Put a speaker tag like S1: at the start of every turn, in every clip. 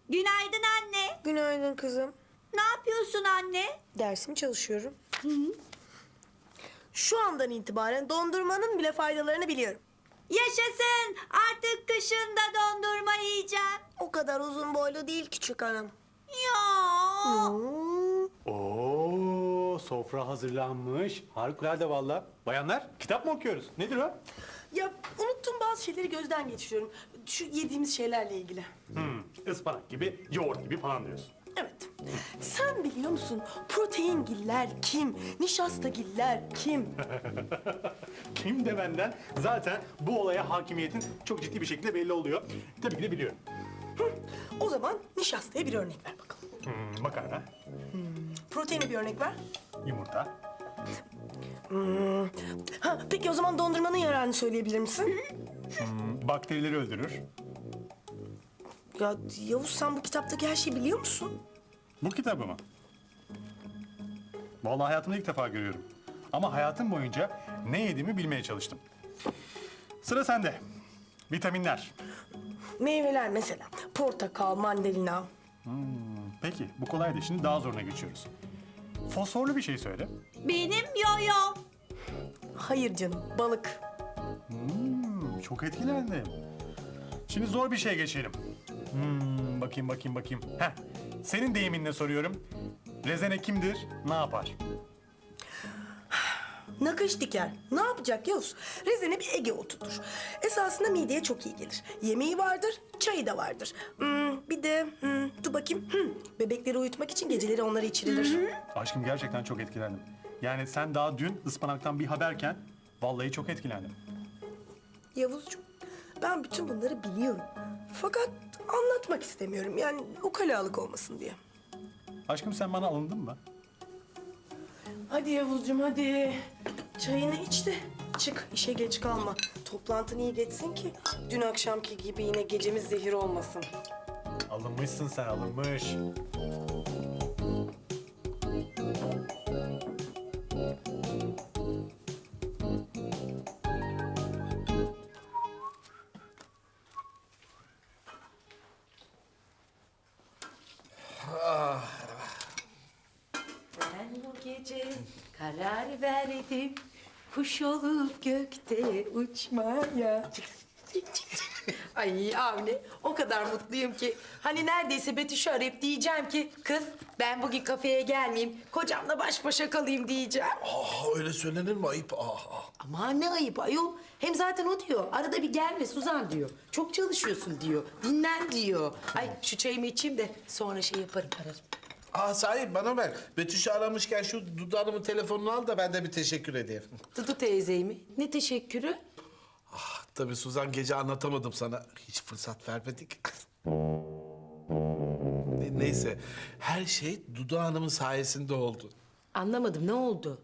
S1: Günaydın anne.
S2: Günaydın kızım.
S1: Ne yapıyorsun anne?
S2: Dersimi çalışıyorum. Şu andan itibaren dondurmanın bile faydalarını biliyorum.
S1: Yaşasın. Artık kışın da dondurma yiyeceğim.
S2: O kadar uzun boylu değil küçük hanım.
S1: Ya.
S3: Oo, sofra hazırlanmış. Harikulade valla. Bayanlar, kitap mı okuyoruz? Nedir o?
S2: Ya unuttum bazı şeyleri gözden geçiriyorum. Şu yediğimiz şeylerle ilgili.
S3: Ispanak gibi, yoğurt gibi falan diyorsun.
S2: Evet. Sen biliyor musun proteingiller kim? Nişastagiller kim?
S3: Kim de benden zaten bu olaya hakimiyetin çok ciddi bir şekilde belli oluyor. Tabii ki de biliyorum.
S2: O zaman nişastaya bir örnek ver bakalım.
S3: Makarna,
S2: Proteine bir örnek ver.
S3: yumurta,
S2: Ha, peki o zaman dondurmanın yararını söyleyebilir misin?
S3: bakterileri öldürür.
S2: Ya Yavuz sen bu kitaptaki her şeyi biliyor musun?
S3: Bu kitabı mı? Vallahi hayatımda ilk defa görüyorum. Ama hayatım boyunca ne yediğimi bilmeye çalıştım. Sıra sende. Vitaminler.
S2: Meyveler mesela. Portakal, mandalina.
S3: Peki, bu kolaydı. Şimdi daha zoruna geçiyoruz. Fosforlu bir şey söyle.
S1: Benim yoyo.
S2: Hayır canım, balık.
S3: Çok etkilendim. Şimdi zor bir şey geçelim. Bakayım. Heh, senin deyiminle soruyorum. Rezene kimdir, ne yapar?
S2: Nakış diker. Ne yapacak Yavuz? Rezene bir Ege otudur. Esasında mideye çok iyi gelir. Yemeği vardır, çayı da vardır. Bir de dur bakayım. Bebekleri uyutmak için geceleri onları içirilir.
S3: Aşkım gerçekten çok etkilendim. Yani sen daha dün ıspanaktan bir haberken vallahi çok etkilendim.
S2: Yavuzcuğum, ben bütün bunları biliyorum. Fakat anlatmak istemiyorum. Yani ukalalık olmasın diye.
S3: Aşkım sen bana alındın mı?
S2: Hadi Yavuzcuğum hadi. Çayını iç de çık işe geç kalma. Toplantın iyi geçsin ki dün akşamki gibi yine gecemiz zehir olmasın.
S3: Alınmışsın sen, alınmış.
S4: Ben bu gece karar verdim kuş olup gökte uçmaya. Ay Avni o kadar mutluyum ki hani neredeyse Betüş'ü arayıp diyeceğim ki kız ben bugün kafeye gelmeyeyim kocamla baş başa kalayım diyeceğim.
S5: Öyle söylenir mi? Ayıp.
S4: Aman ne ayıp ayol. Hem zaten o diyor arada bir gelme Suzan diyor. Çok çalışıyorsun diyor. Dinlen diyor. Ay şu çayımı içeyim de sonra şey yaparım ararım.
S5: Sahi bana ver. Betüş'ü aramışken şu Dudu Hanım'ın telefonunu al da ben de bir teşekkür edeyim.
S4: Dudu teyzeyi mi? Ne teşekkürü?
S5: Tabii Suzan gece anlatamadım sana. Hiç fırsat vermedik. Neyse her şey Dudu Hanım'ın sayesinde oldu.
S4: Anlamadım ne oldu?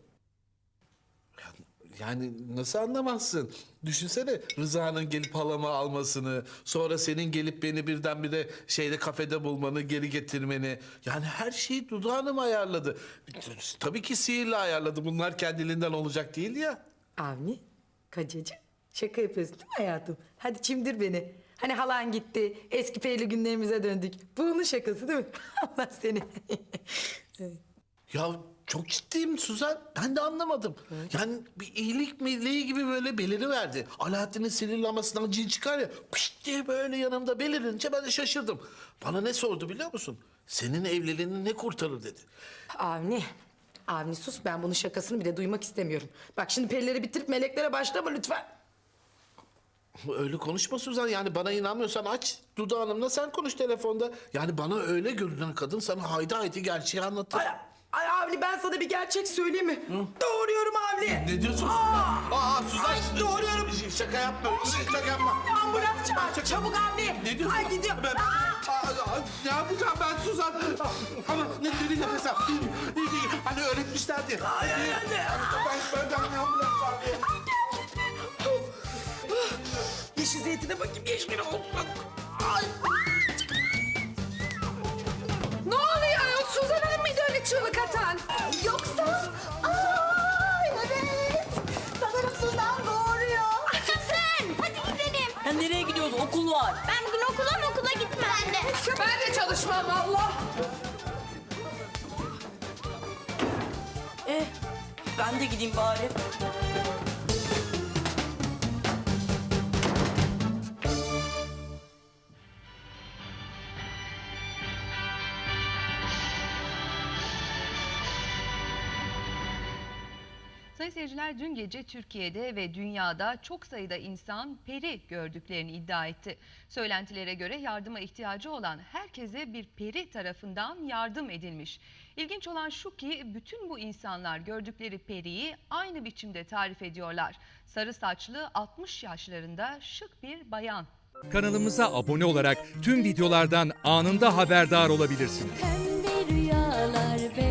S5: Yani nasıl anlamazsın? Düşünsene Rıza'nın gelip halamı almasını, sonra senin gelip beni birdenbire kafede bulmanı, geri getirmeni. Yani her şeyi Dudu Hanım ayarladı. Tabii ki sihirle ayarladı. Bunlar kendiliğinden olacak değil ya.
S4: Avni, kocacığım şaka yapıyorsun değil mi hayatım? Hadi çimdir beni. Hani halan gitti, eski peyli günlerimize döndük. Bu onun şakası değil mi? Allah seni.
S5: Ya çok ciddiyim Suzan. Ben de anlamadım. Yani bir iyilik meleği gibi böyle beliriverdi. Alaaddin'in sinirlenmesinden cin çıkar ya. Pişt diye böyle yanımda belirince ben de şaşırdım. Bana ne sordu biliyor musun? Senin evliliğini ne kurtarır dedi.
S4: Avni sus ben bunun şakasını bile duymak istemiyorum. Bak şimdi perileri bitirip meleklere başlama lütfen.
S5: Öyle konuşma Suzan. Yani bana inanmıyorsan aç Dudu Hanım'la sen konuş telefonda. Yani bana öyle görünen kadın sana haydi haydi gerçeği anlatır.
S4: Ay Avni ben sana bir gerçek söyleyeyim mi? Doğuruyorum Avni.
S5: Ne diyorsun? Suzan.
S4: Ay, doğruyorum.
S5: Şaka yapma. Şaka yapma.
S4: Ambulans çağır. Çabuk Avni.
S5: Ne diyorsun?
S4: Ay gidiyor.
S5: Ne yapacağım ben Suzan? Ama ne dedi nefes al. Hani öğretmişlerdi. Ben ambulans çağırıyorum.
S4: Yeşil zeytine bakayım yeşil olsun.
S6: Ne oluyor? Suzan Hanım mıydı öyle çığlık atan? Yoksa... Ay evet. Sanırım Suzan doğuruyor.
S1: Yaşasın. Hadi gidelim.
S7: Ya nereye gidiyoruz? Okul var.
S1: Ben bugün okula gitmem.
S7: ben de.
S6: Ben de çalışmam valla.
S8: Ben de gideyim bari.
S9: Sayın seyirciler, dün gece Türkiye'de ve dünyada çok sayıda insan peri gördüklerini iddia etti. Söylentilere göre yardıma ihtiyacı olan herkese bir peri tarafından yardım edilmiş. İlginç olan şu ki bütün bu insanlar gördükleri periyi aynı biçimde tarif ediyorlar. Sarı saçlı 60 yaşlarında şık bir bayan.
S10: Kanalımıza abone olarak tüm videolardan anında haberdar olabilirsiniz.
S11: Pembe rüyalar